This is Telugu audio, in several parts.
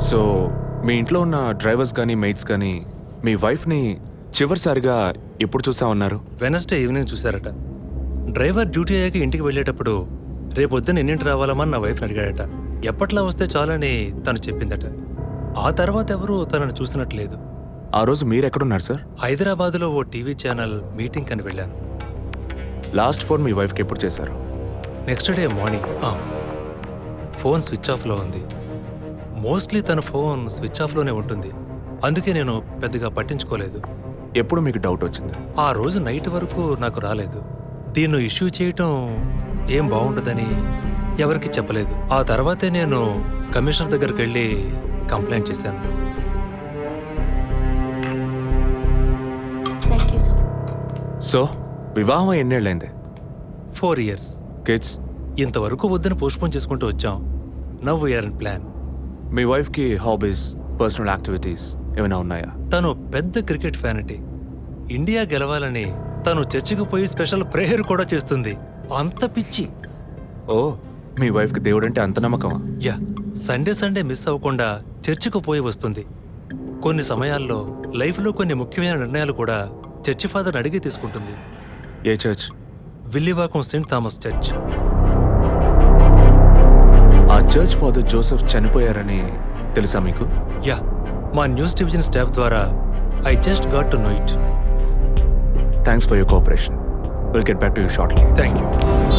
సో మీ ఇంట్లో ఉన్న డ్రైవర్స్ కానీ మెయిట్స్ కానీ మీ వైఫ్ని చివరిసారిగా ఎప్పుడు చూసామన్నారు? వెనస్డే ఈవినింగ్ చూశారట. డ్రైవర్ డ్యూటీ అయ్యాక ఇంటికి వెళ్ళేటప్పుడు రేపొద్దున ఎన్నింటి రావాలమని నా వైఫ్ని అడిగాడట. ఎప్పట్లా వస్తే చాలని తను చెప్పిందట. ఆ తర్వాత ఎవరూ తనను చూసినట్లేదు. ఆ రోజు మీరు ఎక్కడున్నారు సార్? హైదరాబాద్లో ఓ టీవీ ఛానల్ మీటింగ్ అని వెళ్ళాను. లాస్ట్ ఫోన్ మీ వైఫ్కి ఎప్పుడు చేశారు? Next day morning. Phone switch ఆఫ్లో ఉంది. మోస్ట్లీ తన ఫోన్ స్విచ్ ఆఫ్లోనే ఉంటుంది. అందుకే నేను పెద్దగా పట్టించుకోలేదు. ఎప్పుడు మీకు డౌట్ వచ్చింది? ఆ రోజు నైట్ వరకు నాకు రాలేదు. దీన్ని ఇష్యూ చేయటం ఏం బాగుండదని ఎవరికి చెప్పలేదు. ఆ తర్వాతే నేను కమిషనర్ దగ్గరికి వెళ్ళి కంప్లైంట్ చేశాను. సో వివాహం ఎన్నేళ్ళైంది? 4 years. కిడ్స్? ఇంతవరకు వద్దని పోస్ట్పోన్ చేసుకుంటూ వచ్చాం. Now we are in plan. మీ వైఫ్కి హాబీస్, పర్సనల్ యాక్టివిటీస్ ఏమైనా ఉన్నాయా? తను పెద్ద క్రికెట్ ఫ్యానిటీ. ఇండియా గెలవాలని తను చర్చికి పోయి స్పెషల్ ప్రేయర్ కూడా చేస్తుంది. అంత పిచ్చి. ఓ, మీ వైఫ్కి దేవుడు అంటే అంత నమ్మకమా? యా, సండే మిస్ అవ్వకుండా చర్చికి పోయి వస్తుంది. కొన్ని సమయాల్లో లైఫ్లో కొన్ని ముఖ్యమైన నిర్ణయాలు కూడా చర్చి ఫాదర్ని అడిగి తీసుకుంటుంది. ఏ church? Villivakkam Saint Thomas church. ఆ చర్చ్ ఫాదర్ జోసెఫ్ చనిపోయారని తెలుసా మీకు? యా, మా న్యూస్ డివిజన్ స్టాఫ్ ద్వారా I just got to know it. Thanks for your cooperation. Will get back to you shortly. Thank you.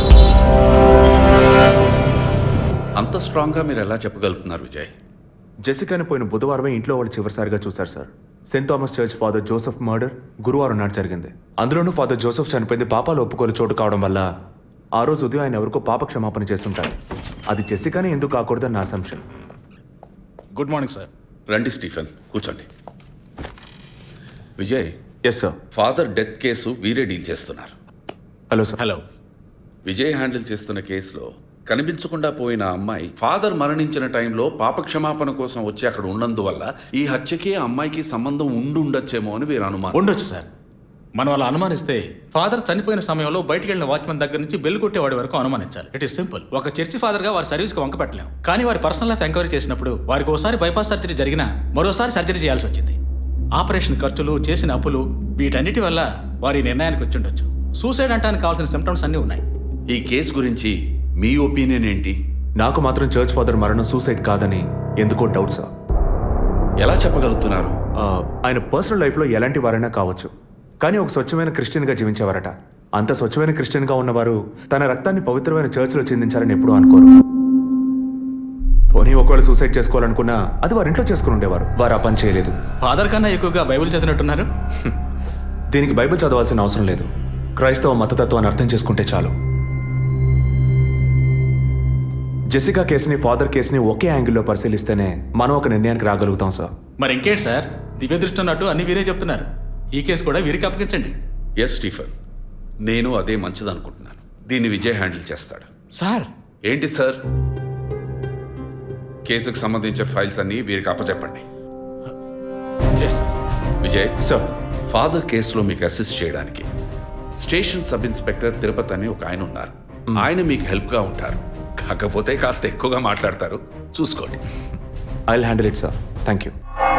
అంత స్ట్రాంగ్గా మీరు ఎలా చెప్పగలుగుతున్నారు విజయ్? జెసికాని పోయిన బుధవారమే ఇంట్లో వాళ్ళు చివరిసారిగా చూశారు sir. Saint Thomas church father Joseph murder గురువారం నాడు జరిగింది. అందులోనూ ఫాదర్ జోసెఫ్ చనిపోయింది పాపాలు ఒప్పుకోలు చోటు కావడం వల్ల ఆ రోజు ఉదయం ఆయన ఎవరికో పాప క్షమాపణ చేస్తుంటారు. అది జెసికానే ఎందుకు కాకూడదని నా అసంప్షన్. Good morning sir. రండి స్టీఫెన్, కూర్చోండి. Vijay, yes sir. Father death case వీరే డీల్ చేస్తున్నారు. Hello sir. Hello. Vijay handle చేస్తున్న కేసులో కనిపించకుండా పోయిన అమ్మాయి ఫాదర్ మరణించిన టైంలో పాప క్షమాపణ కోసం వచ్చి అక్కడ ఉన్నందువల్ల ఈ హత్యకి ఆ అమ్మాయికి సంబంధం ఉండొచ్చేమో అని వీరు అనుమానం. ఉండొచ్చు సార్. మనం అలా అనుమానిస్తే ఫాదర్ చనిపోయిన సమయంలో బయటికి వెళ్ళిన వాచ్మెన్ దగ్గర నుంచి బెల్ కొట్టేవాడి వరకు అనుమానించాలి. It is simple. ఒక చర్చి ఫాదర్గా వారి సర్వీస్కి వంక పెట్టలేం. కానీ వారి పర్సనల్ లైఫ్ ఎంక్వైరీ చేసినప్పుడు వారికి ఒకసారి బైపాస్ సర్జరీ జరిగినా మరోసారి సర్జరీ చేయాల్సి వచ్చింది. ఆపరేషన్ ఖర్చులు, చేసిన అప్పులు, వీటన్నిటి వల్ల వారి నిర్ణయానికి వచ్చి ఉండొచ్చు. సూసైడ్ అంటానికి కావాల్సిన సిమ్టమ్స్ అన్నీ ఉన్నాయి. ఈ కేసు గురించి మీ ఒపీనియన్ ఏంటి? నాకు మాత్రం చర్చ్ ఫాదర్ మరణం సూసైడ్ కాదని ఎందుకో డౌట్ సార్. ఎలా చెప్పగలుగుతున్నారు? ఆయన పర్సనల్ లైఫ్లో ఎలాంటి వారైనా కావచ్చు, కానీ ఒక స్వచ్ఛమైన క్రిస్టియన్గా జీవించేవారట. అంత స్వచ్ఛమైన క్రిస్టియన్గా ఉన్నవారు తన రక్తాన్ని పవిత్రమైన చర్చ్లో చిందించాలని ఎప్పుడూ అనుకోరు. పోనీ ఒకవేళ సూసైడ్ చేసుకోవాలనుకున్నా అది వారి ఇంట్లో చేసుకుని ఉండేవారు. వారు ఆ పని చేయలేదు. ఫాదర్ కన్నా ఎక్కువగా బైబిల్ చదివినట్టున్నారు. దీనికి బైబిల్ చదవాల్సిన అవసరం లేదు. క్రైస్తవ మతతత్వాన్ని అర్థం చేసుకుంటే చాలు. జెసికా కేసుని, ఫాదర్ కేసుని ఒకే యాంగిల్లో పరిశీలిస్తేనే మనం ఒక నిర్ణయానికి రాగలుగుతాం సార్. మరి ఇంకేంటి సార్, దివ్య దృష్టి ఉన్నట్టు అన్ని వీరే చెప్తున్నారు. ఈ కేసు కూడా వీరికి అప్పగించండి. ఎస్ స్టీఫెన్, నేను అదే మంచిదనుకుంటున్నాను. దీన్ని విజయ్ హ్యాండిల్ చేస్తాడు. సార్. ఏంటి సార్? కేసుకు సంబంధించిన ఫైల్స్ అన్ని వీరికి అప్పచెప్పండి. Yes sir. Vijay sir, father కేసులో మీకు అసిస్ట్ చేయడానికి స్టేషన్ సబ్ ఇన్స్పెక్టర్ తిరుపతి అని ఒక ఆయన ఉన్నారు. ఆయన మీకు హెల్ప్గా ఉంటారు. కాకపోతే కాస్త ఎక్కువగా మాట్లాడతారు, చూసుకోండి. I will handle it sir. Thank you.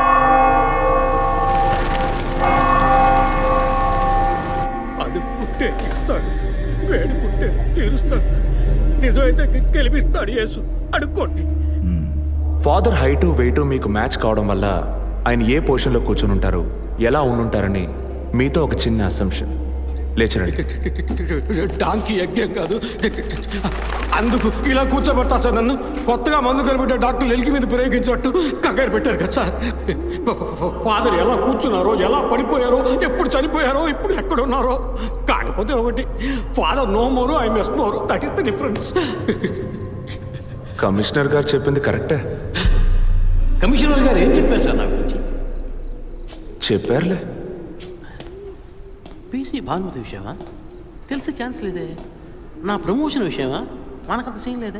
అడుక్కుంటే ఇస్తాడు, వేడుకుంటే తీరుస్తాడు, నిజమైతే గెలిపిస్తాడు యేసు. అడుక్కోండి. ఫాదర్ హైటు, వెయిటు మీకు మ్యాచ్ కావడం వల్ల ఆయన ఏ పొజిషన్లో కూర్చొని ఉంటారు, ఎలా ఉండుంటారని మీతో ఒక చిన్న అసంప్షన్. లేచరండి. డాంకీ యజ్ఞం కాదు, అందుకు ఇలా కూర్చోబెడతా సార్. నన్ను కొత్తగా మందు కనిపెట్టే డాక్టర్లు ఎలికి మీద ప్రయోగించినట్టు కంగారు పెట్టారు కదా సార్. ఫాదర్ ఎలా కూర్చున్నారో, ఎలా పడిపోయారో, ఎప్పుడు చనిపోయారో, ఇప్పుడు ఎక్కడున్నారో. కాకపోతే ఒకటి, father no more, I mess more. That is the difference. Commissioner గారు చెప్పింది కరెక్టే. కమిషనర్ గారు ఏం చెప్పారు సార్ నా గురించి? చెప్పారులే. పీసీ భానుమతి విషయమా? తెలిసే ఛాన్స్ లేదే. నా ప్రమోషన్ విషయమా? మనకంత సీన్ లేదే.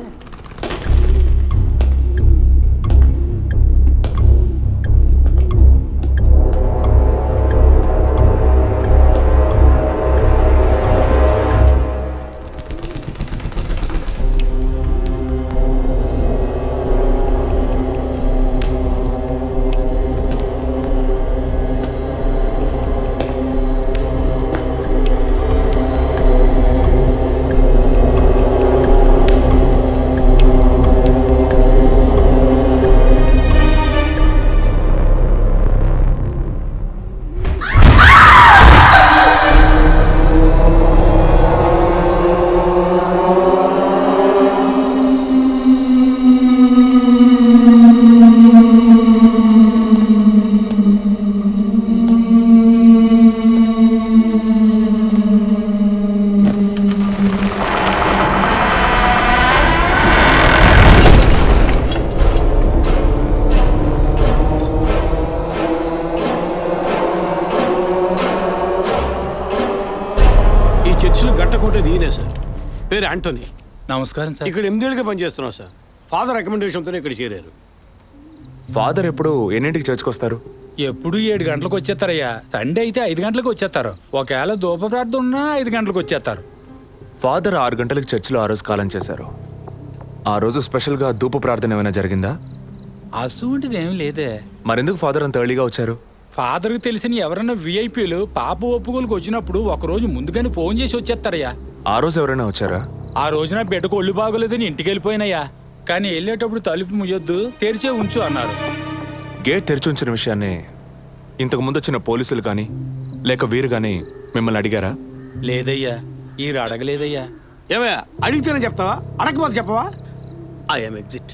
పేరు యాంటోనీ. నమస్కారం సార్. ఇక్కడ 8 ఏళ్ళుగా పనిచేస్తున్నాం సార్. ఫాదర్ రికమెండేషన్తోనే ఇక్కడ చేరారు. ఫాదర్ ఎప్పుడు ఎన్నింటికి చర్చ్కి వస్తారు? ఎప్పుడు 7 గంటలకు వచ్చేస్తారయ్యా. సండే అయితే 5 గంటలకు వచ్చేస్తారు. ఒకవేళ ధూప ప్రార్థన ఉన్నా 5 గంటలకు వచ్చేస్తారు. ఫాదర్ 6 గంటలకు చర్చిలో ఆ రోజు కాలం చేశారు. ఆ రోజు స్పెషల్గా ధూప ప్రార్థన ఏమైనా జరిగిందా? అసువంటిది ఏం లేదే. మరెందుకు ఫాదర్ అంత ఎర్లీగా వచ్చారు? ఫాదర్కి తెలిసిన ఎవరన్నా విఐపీలు పాప ఒప్పుకోలకు వచ్చినప్పుడు ఒకరోజు ముందుగానే ఫోన్ చేసి వచ్చేస్తారయ్యా. ఆ రోజు ఎవరైనా వచ్చారా? ఆ రోజున బిడ్డకు ఒళ్ళు బాగోలేదని ఇంటికి వెళ్ళిపోయినయ్యా. కానీ వెళ్ళేటప్పుడు తలుపు ముయ్యొద్దు, తెరిచే ఉంచు అన్నారు. గేట్ తెరిచి ఉంచిన విషయాన్ని ఇంతకు ముందు వచ్చిన పోలీసులు కానీ లేక వీరు కానీ మిమ్మల్ని అడిగారా? లేదయ్యా, ఈ అడగలేదయ్యా. ఏమయ్యా అడిగితేనే చెప్తావా, అడగకపోతే చెప్పవా? I'm exit.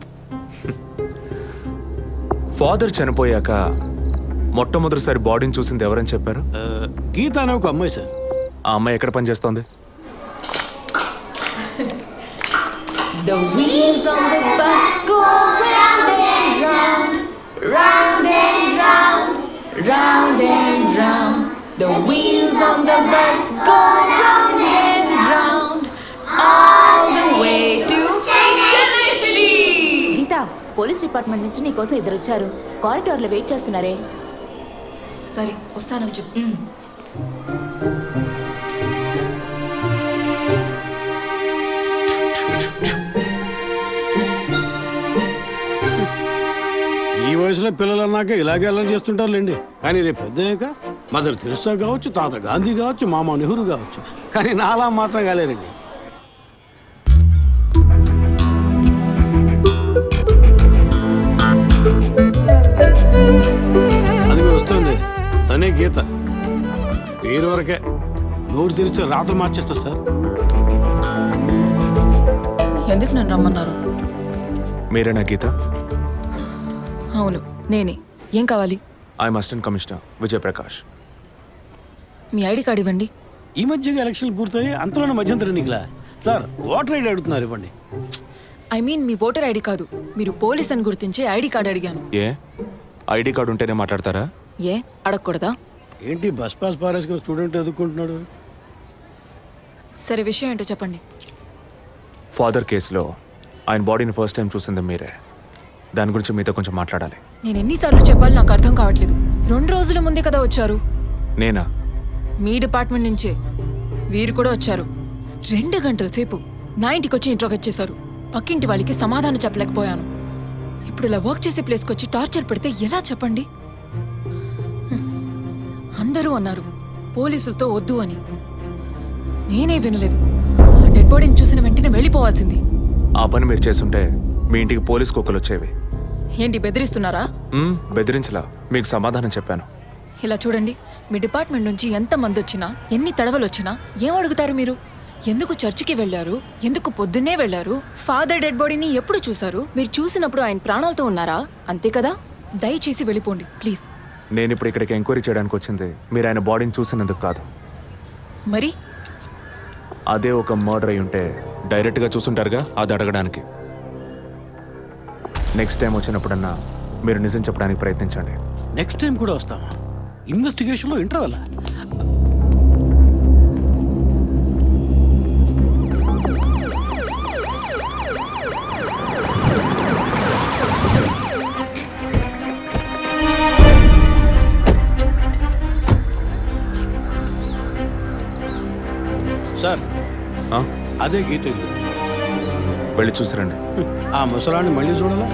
ఫాదర్ చనిపోయాక మొట్టమొదటిసారి బాడీని చూసింది ఎవరని చెప్పారు? గీత అనే ఒక అమ్మాయి సార్. ఆ అమ్మాయి ఎక్కడ పనిచేస్తోంది? The wheels on the bus go round and round, round and round, round and round. The wheels on the bus go round and round, all the way to Chennai City. Geetha, police department నుంచి నీకోసం ఇద్దరు వచ్చారు. కారిడార్లో వెయిట్ చేస్తున్నారే. సరే వస్తానని చెప్పు. ఈ వయసులో పిల్లలు అన్నాక ఇలాగే అల్లరి చేస్తుంటారులేండి. కానీ రేపు పెద్దయ్యాక మదర్ తెరిసా కావచ్చు, తాత గాంధీ కావచ్చు, మామ నెహ్రూ కావచ్చు. కానీ నాలా మాత్రం కాలేరండి. అది వస్తుంది తనే గీత. పేరు వరకే, నోరు తెరిస్తే రాత్రి మార్చేస్తా సార్. ఎందుకు నన్ను రమ్మన్నారు? మీరేనా గీత? అవును నేనే. ఏం కావాలి? I'm assistant commissioner Vijayaprakash. మీ ఐడి కార్డ్ ఇవ్వండి. ఈ మధ్యగా ఎలక్షన్లు పూర్తయి అంతలోనే మధ్యంతర ఎన్నికలా సార్? ఓటర్ ఐడి అడుగుతున్నారు, ఇవ్వండి. ఐ మీన్ మీ ఓటర్ ఐడి కాదు, మీరు పోలీస్ అని గుర్తించే ఐడి కార్డ్ అడిగాను. ఏ ఐడి కార్డు ఉంటేనే మాట్లాడతారా? ఏ అడగకూడదా? ఏంటి బస్ పాస్ పారేసుకుని స్టూడెంట్ ఎదుర్కొంటున్నాడు? సరే విషయం ఏంటో చెప్పండి. ఫాదర్ కేసులో ఆయన బాడీని ఫస్ట్ టైం చూసింది మీరే. దాని గురించి మీతో కొంచెం మాట్లాడాలి. నేను ఎన్నిసార్లు చెప్పాలి నాకు అర్థం కావట్లేదు. 2 రోజుల ముందే కదా వచ్చారు. నేనా? మీ డిపార్ట్మెంట్ నుంచే వీరు కూడా వచ్చారు. 2 గంటల సేపు నా ఇంటికి వచ్చి ఇంట్రోగేట్ చేశారు. పక్కింటి వాళ్ళకి సమాధానం చెప్పలేకపోయాను. ఇప్పుడు ఇలా వర్క్ చేసే ప్లేస్కి వచ్చి టార్చర్ పెడితే ఎలా చెప్పండి? అందరూ అన్నారు పోలీసులతో వద్దు అని. నేనే వినలేదు. ఆ డెడ్ బాడీని చూసిన వెంటనే వెళ్ళిపోవాల్సింది. ఆ పని మీరు చేస్తుంటే మీ ఇంటికి పోలీస్ కుక్కలు వచ్చేవి. ఏంటి బెదిరిస్తున్నారా? బెదిరించలా, మీకు సమాధానం చెప్పాను. ఇలా చూడండి, మీ డిపార్ట్మెంట్ నుంచి ఎంతమంది వచ్చినా ఎన్ని తడవలు వచ్చినా ఏం అడుగుతారు మీరు? ఎందుకు చర్చికి వెళ్ళారు? ఎందుకు పొద్దున్నే వెళ్ళారు? ఫాదర్ డెడ్ బాడీని ఎప్పుడు చూశారు? మీరు చూసినప్పుడు ఆయన ప్రాణాలతో ఉన్నారా? అంతే కదా. దయచేసి వెళ్ళిపోండి ప్లీజ్. నేను ఇప్పుడు ఇక్కడికి ఎంక్వైరీ చేయడానికి వచ్చింది మీరు ఆయన బాడీని చూసినందుకు కాదు. మరి అదే ఒక మర్డర్ అయి ఉంటే డైరెక్ట్గా చూసుంటారుగా, అది అడగడానికి. నెక్స్ట్ టైం వచ్చినప్పుడన్నా మీరు నిజం చెప్పడానికి ప్రయత్నించండి. నెక్స్ట్ టైం కూడా వస్తామా? ఇన్వెస్టిగేషన్లో ఇంటర్వెల్. సార్ ఆ? అదే గీత ఇల్లు. వెళ్ళి చూసిరండి. ఆ ముసలాన్ని మళ్ళీ చూడాలా?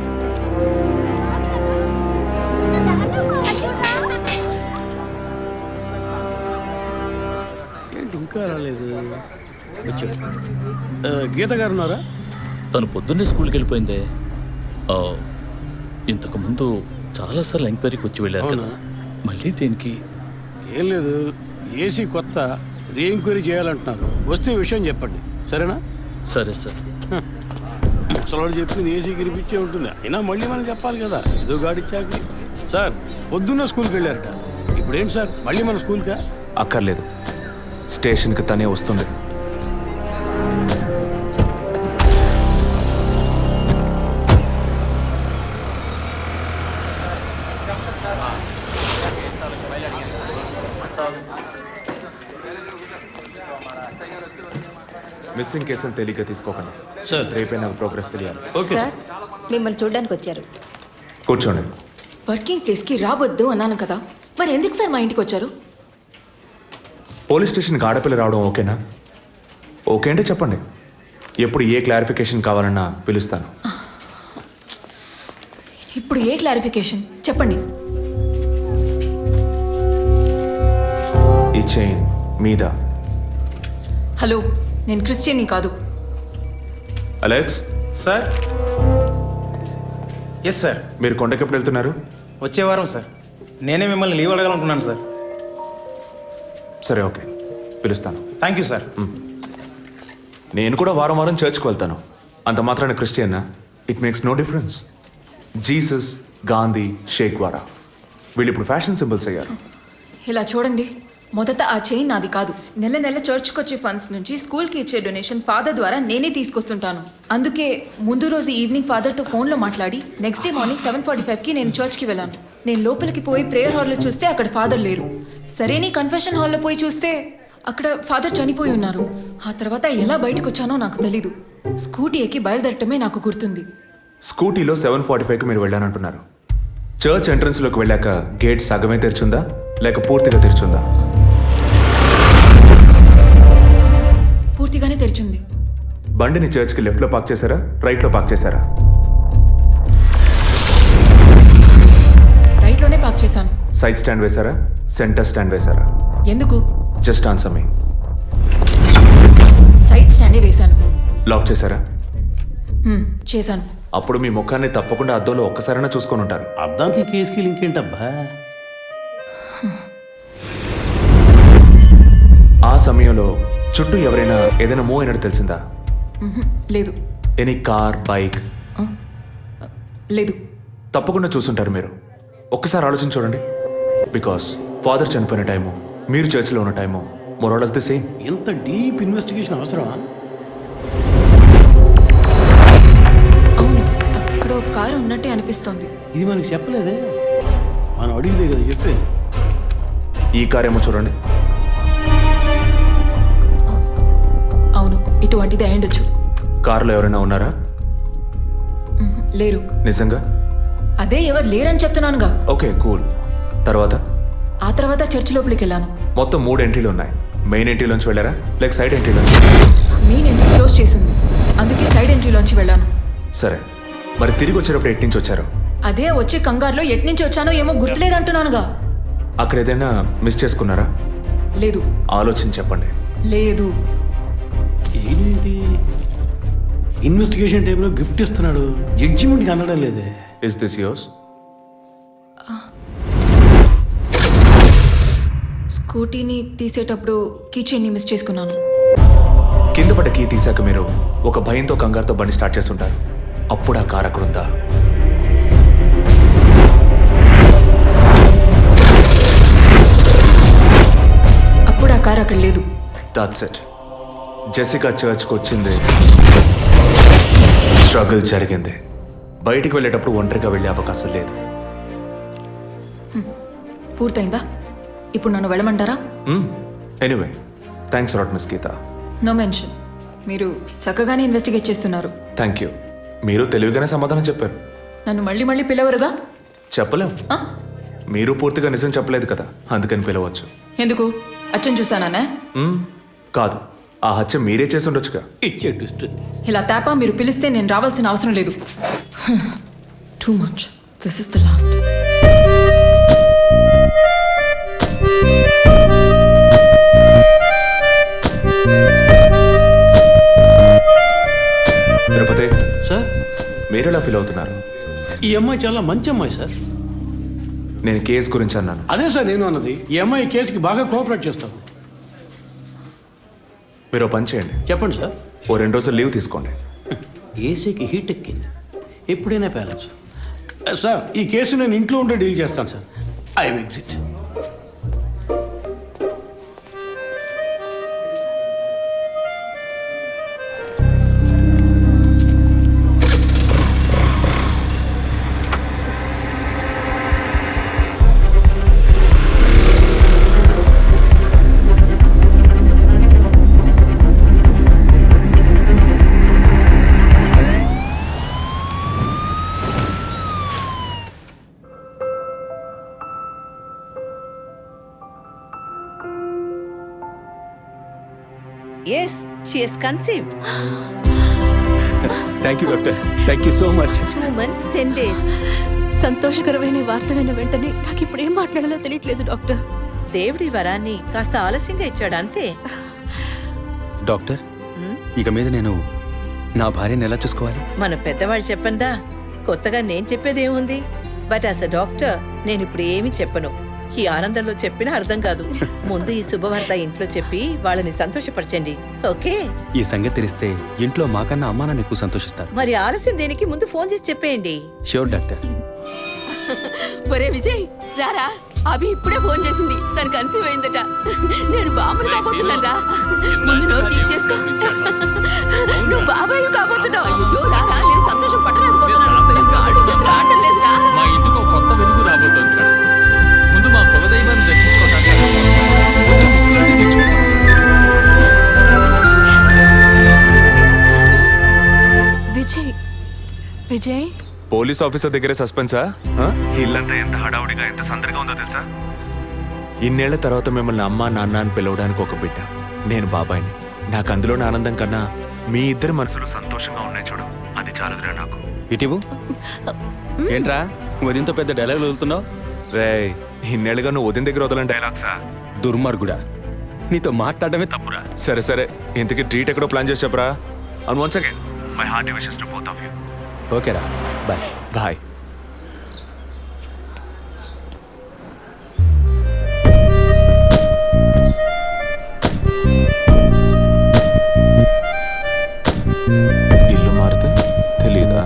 ఏంటి ఇంకా రాలేదు? వచ్చాడు. గీత గారు ఉన్నారా? తను పొద్దున్నే స్కూల్కి వెళ్ళిపోయిందే. ఇంతకుముందు చాలాసార్లు ఎంక్వైరీకి వచ్చి వెళ్ళారు కదా, మళ్ళీ దేనికి? ఏం లేదు, ఏసీ కొత్త రీ ఎంక్వైరీ చేయాలంటున్నారు. వస్తే విషయం చెప్పండి, సరేనా? సరే సార్. ముసలాడు చెప్పింది ఏసీ గిరిపించే ఉంటుంది. అయినా మళ్ళీ మనం చెప్పాలి కదా, ఏదో గాడిచ్చాక. సార్ పొద్దున్న స్కూల్కి వెళ్ళారట, ఇప్పుడేం సార్ మళ్ళీ మన స్కూల్కా? అక్కర్లేదు, స్టేషన్కి తనే వస్తుంది. మిస్సింగ్ కేసులు తేలిగ్గా తీసుకోకండి. సార్ రేపే నాకు ప్రోగ్రెస్ తెలియాలి. ఓకే సార్ మిమ్మల్ని చూడడానికి వచ్చారు. కూర్చోండి. వర్కింగ్ ప్లేస్కి రావద్దు అన్నాను కదా, మరి ఎందుకు సార్ మా ఇంటికి వచ్చారు? పోలీస్ స్టేషన్కి ఆడపిల్ల రావడం ఓకేనా? ఓకే అంటే చెప్పండి. ఎప్పుడు ఏ క్లారిఫికేషన్ కావాలన్నా పిలుస్తాను. ఇప్పుడు ఏ క్లారిఫికేషన్ చెప్పండి. ఈ చైన్ మీద. హలో, నేను క్రిస్టియన్ని కాదు. Alex, sir. Yes sir. మీరు కొండకి ఎప్పుడు వెళ్తున్నారు? వచ్చే వారం సార్. నేనే మిమ్మల్ని లీవ్ అడగాలనుకున్నాను సార్. సరే, ఓకే, పిలుస్తాను. Thank you sir. నేను కూడా వారం వారం చర్చ్కి వెళ్తాను. అంత మాత్రాన క్రిస్టియన్నా? It makes no difference. Jesus, Gandhi, షేక్ వారా వీళ్ళు ఇప్పుడు ఫ్యాషన్ సింబల్స్ అయ్యారు. ఇలా చూడండి, మొదట ఆ చైన్ నాది కాదు. నెల నెల చర్చ్కి వచ్చే ఫండ్స్ నుంచి స్కూల్కి ఇచ్చే డొనేషన్ ఫాదర్ ద్వారా నేనే తీసుకొస్తుంటాను. అందుకే ముందు రోజు ఈవినింగ్ ఫాదర్తో ఫోన్లో మాట్లాడి నెక్స్ట్ డే మార్నింగ్ 7:45కి నేను చర్చ్కి వెళ్ళాను. నేను లోపలికి పోయి ప్రేయర్ హాల్లో చూస్తే అక్కడ ఫాదర్ లేరు. సరే, నీ కన్ఫెషన్ హాల్లో పోయి చూస్తే అక్కడ ఫాదర్ చనిపోయి ఉన్నారు. ఆ తర్వాత ఎలా బయటకు వచ్చానో నాకు తెలీదు. స్కూటీ ఎక్కి బయలుదేరటమే నాకు గుర్తుంది. స్కూటీలో 7:45కి మీరు వెళ్ళానంటున్నారు. చర్చ్ ఎంట్రన్స్లోకి వెళ్ళాక గేట్ సగమే తెరిచుందా లేక పూర్తిగా తెరిచుందా? పూర్తిగానే తెరిచింది. బండిని చర్చ్కి లెఫ్ట్లో పార్క్ చేశారా, రైట్లో పార్క్ చేశారా? రైట్లోనే పార్క్ చేశాను. సైడ్ స్టాండ్ వేశారా, సెంటర్ స్టాండ్ వేశారా? ఎందుకు? Just answer me. సైడ్ స్టాండే వేశాను. లాక్ చేశారా? చేశాను. అప్పుడు మీ ముఖాన్ని తప్పకుండా అద్దంలో ఒక్కసారైనా చూసుకొని ఉంటారు. అద్దానికి కేసుకి లింక్ ఏంటబ్బా? ఆ సమయంలో చుట్టూ ఎవరైనా ఏదైనా మూవ్ అయినట్టు తెలిసిందా? లేదు. Any car, bike? లేదు. తప్పకుండా చూసుంటారు మీరు. ఒక్కసారి ఆలోచన చూడండి. బికాస్ ఫాదర్ చనిపోయిన టైము, మీరు చర్చిలో ఉన్న టైము మోరాలస్ ది సేమ్. ఇంత డీప్ ఇన్వెస్టిగేషన్ అవసరమా? అవును, అక్కడ ఒక కారు ఉన్నట్టే అనిపిస్తోంది. ఇది మనకి చెప్పలేదే, మనం అడిగితే కదా చెప్పేది. ఈ కార్ ఏమో చూడండి. అవును, ఇటువంటిది అయ్యుండొచ్చు. కారులో ఎవరైనా ఉన్నారా? లేరు. నిజంగా? అదే ఎవరు లేరని చెప్తున్నానుగా. Okay, cool. తర్వాత? ఆ తర్వాత చర్చ్ లోపలికి వెళ్ళాను. మొత్తం 3 ఎంట్రీలు ఉన్నాయి. మెయిన్ ఎంట్రీలోంచి వెళ్ళారా లేక సైడ్ ఎంట్రీలోంచి? మెయిన్ ఎంట్రీ క్లోజ్ చేసింది, అందుకే సైడ్ ఎంట్రీలోంచి వెళ్ళాను. సరే, మరి తిరిగి వచ్చేటప్పుడు ఎటు నుంచి వచ్చారు? అదే వచ్చే కంగారులో ఎట్నుంచి వచ్చానో ఏమో గుర్తులేదంటున్నానుగా. అక్కడ ఏదైనా మిస్ చేసుకున్నారా? లేదు. ఆలోచించి చెప్పండి. లేదు. ఏంటి ఇన్వెస్టిగేషన్ టైంలో గిఫ్ట్ ఇస్తున్నాడు, జడ్జిమెంట్కి అందడం లేదే. Is this yours? స్కూటీని తీసేటప్పుడు కీ చైన్ని మిస్ చేసుకున్నాను. కింద పడ్డ కీ తీసాక మీరు ఒక భయంతో కంగారుతో బండి స్టార్ట్ చేస్తుంటారు. అప్పుడు ఆ కార్ అక్కడ ఉందా? అప్పుడు ఆ కారు అక్కడ లేదు. That's it. జెసికా చర్చ్కి వచ్చింది, స్ట్రగుల్ జరిగింది. బయటికి వెళ్ళేటప్పుడు ఒంటరిగా వెళ్ళే అవకాశం లేదు. పూర్తయిందా? ఇప్పుడు నన్ను వెళ్ళమంటారా? Anyway, thanks lot miss Geetha. No mention. మీరు చక్కగానే ఇన్వెస్టిగేట్ చేస్తున్నారు. Thank you. మీరు తెలివిగానే సమాధానం చెప్పారు. నన్ను మళ్ళీ మళ్ళీ పిలవరుగా? చెప్పలేం. ఆ? మీరు పూర్తిగా నిజం చెప్పలేదు కదా, అందుకని పిలవచ్చు. ఎందుకు? అచ్చం చూసానా? కాదు, ఆ హత్య మీరే చేసి ఉండొచ్చుగా. ఇచ్చే ట్విస్ట్. ఇలా తేపా మీరు పిలిస్తే నేను రావాల్సిన అవసరం లేదు. Too much. This is the last. Tirupati sir, మీరు ఎలా ఫీల్ అవుతున్నారు? ఈ అమ్మాయి చాలా మంచి అమ్మాయి సార్. నేను కేసు గురించి అన్నాను. అదే సార్ నేను అన్నది. ఈ అమ్మాయి కేసుకి బాగా కోఆపరేట్ చేస్తాం. మీరు ఓ పని చేయండి. చెప్పండి సార్. ఓ 2 రోజులు లీవ్ తీసుకోండి. ఏసీకి హీట్ ఎక్కింది, ఎప్పుడైనా పేలచ్చు. సార్, ఈ కేసు నేను ఇంట్లో ఉంటే డీల్ చేస్తాను sir. I exit. Yes she has conceived. Thank you doctor, thank you so much. 2 months 10 days. సంతోషకరమైన ఈ వార్త విన్న వెంటనే నాకు ఇప్పుడు ఏం మాట్లాడాలో తెలియట్లేదు డాక్టర్. దేవుడి వరాన్ని కాస్త ఆలస్యంగా ఇచ్చాడు అంతే. డాక్టర్, ఇక మీద నేను నా భార్యను ఎలా చూసుకోవాలి? మన పెద్దవాళ్ళు చెప్పందా, కొత్తగా నేను చెప్పేదేముంది. బట్ యాజ్ అ డాక్టర్ నేను ఇప్పుడు ఏమీ చెప్పను. ఈ ఆనందంలో చెప్పినా అర్థం కాదు. ముందు ఈ శుభవార్త ఇంట్లో చెప్పి వాళ్ళని సంతోషపరచండి, ఓకే? ఈ సంగతి తెలిస్తే ఇంట్లో మాకన్నా అమ్మా నాన్న ఎక్కువ సంతోషిస్తారు. మరి ఆలస్యం దేనికి, ముందు ఫోన్ చేసి చెప్పేయండి. Sure doctor. ఒరే విజయ్ రారా, అభి ఇప్పుడే ఫోన్ చేసింది, తను కన్సీవ్ అయిందట. నేను బాబుని కాబోతున్నాను రా. ముందు నోరు తీసి చేసుకో. నువ్వు బాబాయ్ కాబోతున్నావు. అయ్యో రారా, నేను సంతోషం పట్టలేకపోతున్నాను. ఆడు చేతులు ఆడటం లేదురా. మా ఇంటికి ఒక కొత్త వెలుగు రాబోతోంది. ముందు మా కులదైవాన్ని దర్శించుకోవడానికి కొంచెం ముక్కులన్నీ తెచ్చుకుంటాం. విజయ్ విజయ్ పోలీస్ ఆఫీసర్ దగ్గరే సస్పెన్సా? ఇల్లంతా ఎంత హడావుడిగా ఎంత సందడిగా ఉందో తెలుసా? ఇన్నేళ్ల తర్వాత మిమ్మల్ని అమ్మా నాన్న అని పిలవడానికి ఒక బిడ్డ, నేను బాబాయిని. నాకు అందులోని ఆనందం కన్నా మీ ఇద్దరి మనసులు సంతోషంగా ఉన్నాయి చూడు, అది చాలుదురా నాకు. ఇటీవు ఏంట్రా ఉదయంతో పెద్ద డైలాగ్ వదులుతున్నావు? రే, ఇన్నేళ్ళుగా నువ్వు ఉదయం దగ్గర వదలని డైలాగ్సా? దుర్మార్గుడా, నీతో మాట్లాడమే తప్పురా. సరే సరే, ఇంతకీ ట్రీట్ ఎక్కడో ప్లాన్ చేసి చెప్పరా. And once again my hearty wishes to both of you. ఓకేరా, బాయ్. బాయ్. ఇల్లు మారితే తెలీదా?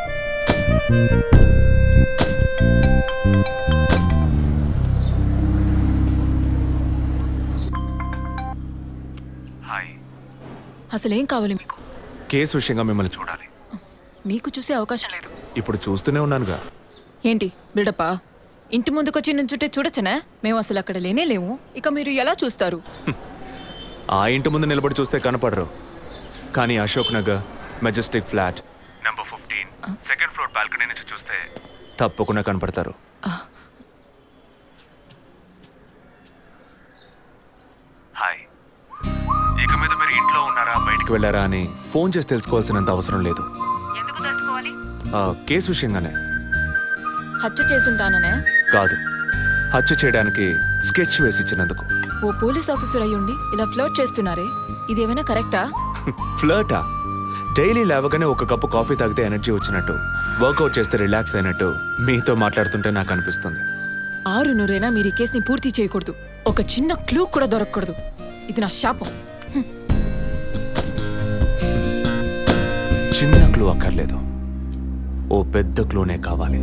హాయ్. అసలేం కావాలి మీకు? కేసు విషయంగా మిమ్మల్ని చూడాలి. మీకు చూసే అవకాశం లేదు. ఇప్పుడు చూస్తూనే ఉన్నానుగా. ఏంటి బిల్డప్పా? ఇంటి ముందుకొచ్చి నుంచుంటే చూడొచ్చనా? మేము అసలు అక్కడ లేనే లేవు. ఇక మీరు ఎలా చూస్తారు? ఆ ఇంటి ముందు నిలబడి చూస్తే కనపడరు, కానీ Ashok Nagar majestic flat number 15 second floor balcony నుంచి చూస్తే తప్పకుండా కనపడతారు. హాయ్. ఇక మీద మీరు ఇంట్లో ఉన్నారా బయటికి వెళ్ళారా అని ఫోన్ చేసి తెలుసుకోవాల్సినంత అవసరం లేదు. ఎందుకు తెలుసుకోవాలి? కేసు విషయంగానే. హత్య చేసుంటాననే కాదు, హత్య చేయడానికి స్కెచ్ వేసి ఇచ్చినందుకు. ఓ పోలీస్ ఆఫీసర్ అయ్యుండి ఇలా ఫ్లర్ట్ చేస్తున్నారే, ఇదేమైనా కరెక్టా? ఫ్లర్టా? డైలీ లేవగానే ఒక కప్పు కాఫీ తాగితే ఎనర్జీ వచ్చినట్టు, వర్కౌట్ చేస్తే రిలాక్స్ అయినట్టు మీతో మాట్లాడుతుంటే నాకు అనిపిస్తుంది. 6 మీరు ఈ కేసుని పూర్తి చేయకూడదు. ఒక చిన్న క్లూ కూడా దొరకకూడదు. ఇది నా శాపం. చిన్న క్లూ అక్కర్లేదు, ఓ పెద్ద క్లూనే కావాలి.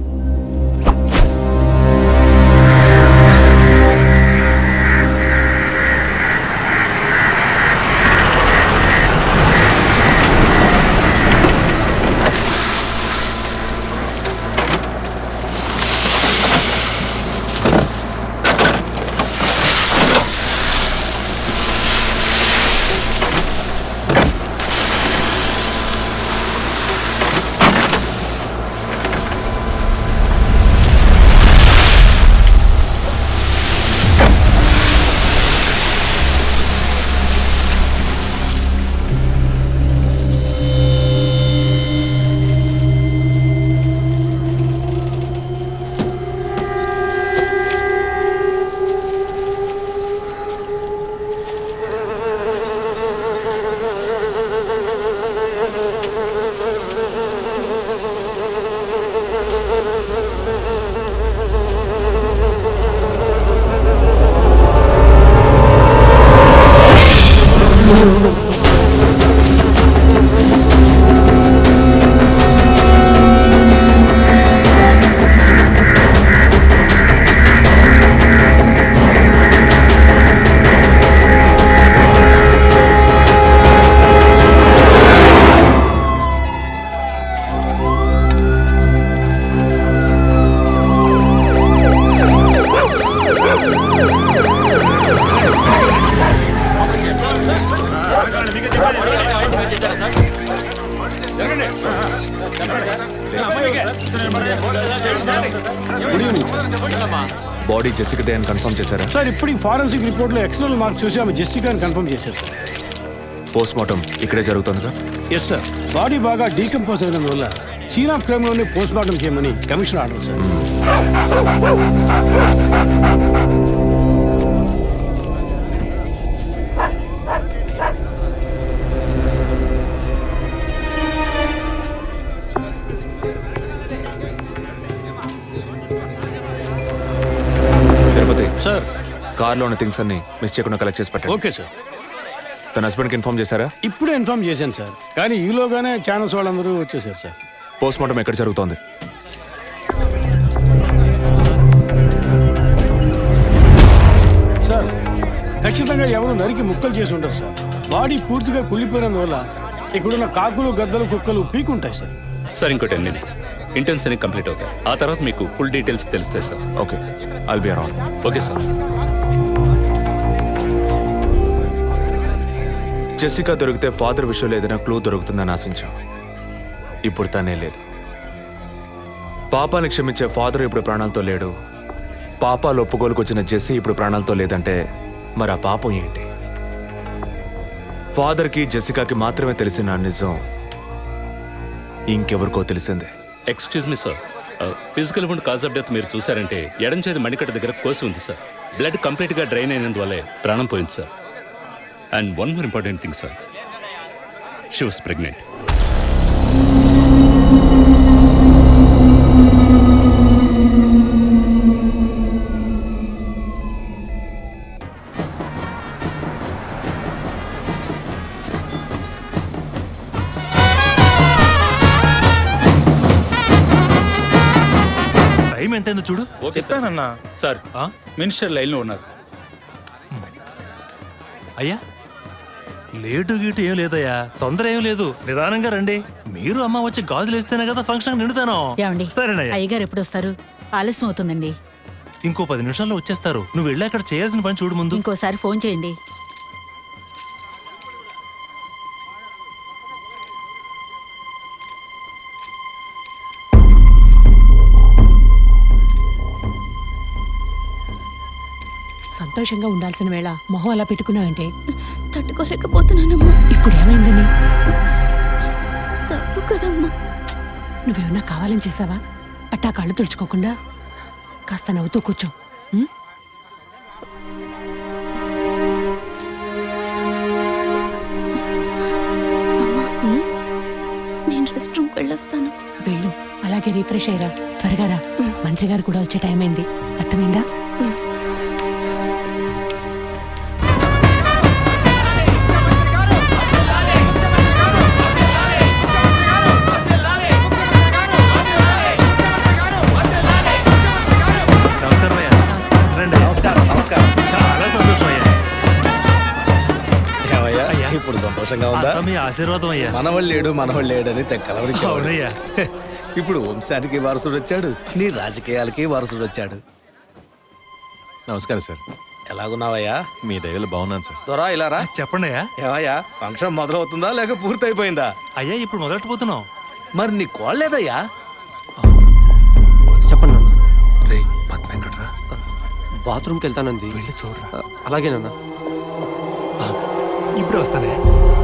బాడీ జెసికాదే అని కన్ఫర్మ్ చేశారా? సార్ ఇప్పుడు ఫారెన్సిక్ రిపోర్ట్లో ఎక్స్టర్నల్ మార్క్స్ చూసి ఆమె జెసికా అని కన్ఫర్మ్ చేశారు. పోస్ట్ మార్టం ఇక్కడే జరుగుతుందిగా? ఎస్ సార్, బాడీ బాగా డీకంపోజ్ అయిన వల్ల సీన్ ఆఫ్ క్రైమ్లోనే పోస్ట్ మార్టం చేయమని commission order sir. Tirupati sir కార్లో ఉన్న థింగ్స్ అన్ని మిస్ చేయకుండా కలెక్ట్ చేసి పెట్టండి. Okay sir. తన హస్బెండ్కి ఇన్ఫార్మ్ చేశారా? ఇప్పుడే ఇన్ఫార్మ్ చేశాను సార్, కానీ ఈలోగానే ఛానల్స్ వాళ్ళందరూ వచ్చేసారు సార్. పోస్ట్ మార్టం ఎక్కడ జరుగుతోంది? సార్ ఖచ్చితంగా ఎవరు నరికి ముక్కలు చేసి ఉంటారు సార్. బాడీ పూర్తిగా కుళ్ళిపోయినందువల్ల ఇక్కడున్న కాకులు గద్దలు కుక్కలు పీకుంటాయి సార్. సార్ ఇంకో 10 minutes ఇంటర్న్స్ అన్ని కంప్లీట్ అవుతాయి. ఆ తర్వాత మీకు ఫుల్ డీటెయిల్స్ తెలుస్తాయి sir. Okay, I'll be around. Okay sir. Jessica దొరికితే ఫాదర్ విషయంలో ఏదైనా క్లూ దొరుకుతుందని ఆశించాం. ఇప్పుడు తనే లేదు. పాపాన్ని క్షమించే ఫాదర్ ఇప్పుడు ప్రాణాలతో లేడు. పాపాలు ఒప్పుకోలుకు వచ్చిన జెస్సీ ఇప్పుడు ప్రాణాలతో లేదంటే మరి ఆ పాపం ఏంటి? ఫాదర్కి జెసికాకి మాత్రమే తెలిసిన నిజం ఇంకెవరికో తెలిసిందే. Excuse me sir, physical wound cause of death మీరు చూసారంటే ఎడం చేతి మణికట్ట దగ్గర కోసి ఉంది సార్. బ్లడ్ కంప్లీట్గా డ్రైన్ అయినందువల్లే ప్రాణం పోయింది సార్. And one more important thing sir, she was pregnant. Time ఎంతైందో చూడు. చెప్పానన్నా సార్ మినిస్టర్ లైన్లో ఉన్నారు. అయ్యా లేటు గీటు ఏం లేదయ్యా, తొందర ఏం లేదు, నిదానంగా రండి. మీరు అమ్మ వచ్చి గాజులు వేస్తేనే కదా ఫంక్షన్ నిండుతాను. ఏమండి సరేనయ్యా, అయ్యగారు ఎప్పుడు వస్తారు? ఆలస్యం అవుతుందండి. ఇంకో 10 నిమిషాల్లో వచ్చేస్తారు. నువ్వు వెళ్ళి అక్కడ చేయాల్సిన పని చూడు ముందు. ఇంకోసారి ఫోన్ చేయండి. సంతోషంగా ఉండాల్సిన వేళ మొహం అలా పెట్టుకున్నావంటే? తట్టుకోలేకపోతున్నానమ్మా. ఇప్పుడు ఏమైందని? తప్పు కదమ్మా. నువ్వేమన్నా కావాలని చేసావా? అట్టా కళ్ళు తుడుచుకోకుండా కాస్త నవ్వుతూ కూర్చో. ఉం? నేను రెస్ట్ రూమ్కి వెళ్ళొస్తాను. వెళ్ళు, అలాగే రీఫ్రెష్ అయ్యరా. త్వరగా రా, మంత్రి గారు కూడా వచ్చే టైం అయింది. అర్థమైందా? నమస్కారం అయ్యా. రండి. చాలా సంతోషం అయ్యా. అయ్యా, ఇప్పుడు సంతోషంగా ఉందా? అంతా మీ ఆశీర్వాదం అయ్యా. మనవాళ్ళు లేడు అని తెక్కలవరికి. అవునయ్యా. ఇప్పుడు వంశానికి వారసుడు వచ్చాడు, నీ రాజకీయాలకి వారసుడు వచ్చాడు. నమస్కారం సార్. ఎలాగున్నావయ్యా? మీ దయలో బాగున్నాను సార్. దొరా ఇలా రా. చెప్పండి అయ్యా. ఏవయ్యా, ఫంక్షన్ మొదలవుతుందా లేక పూర్తయిపోయిందా? అయ్యా ఇప్పుడు మొదలెట్టబోతున్నాం. మరి నీ కోళ్ళేదయ్యా? చెప్పండి నాన్న. రే పద్మ ఎక్కడ్రా? బాత్రూమ్కి వెళ్తానంది. వెళ్ళి చూడరా. అలాగేనన్నా. ఇప్పుడే వస్తానే.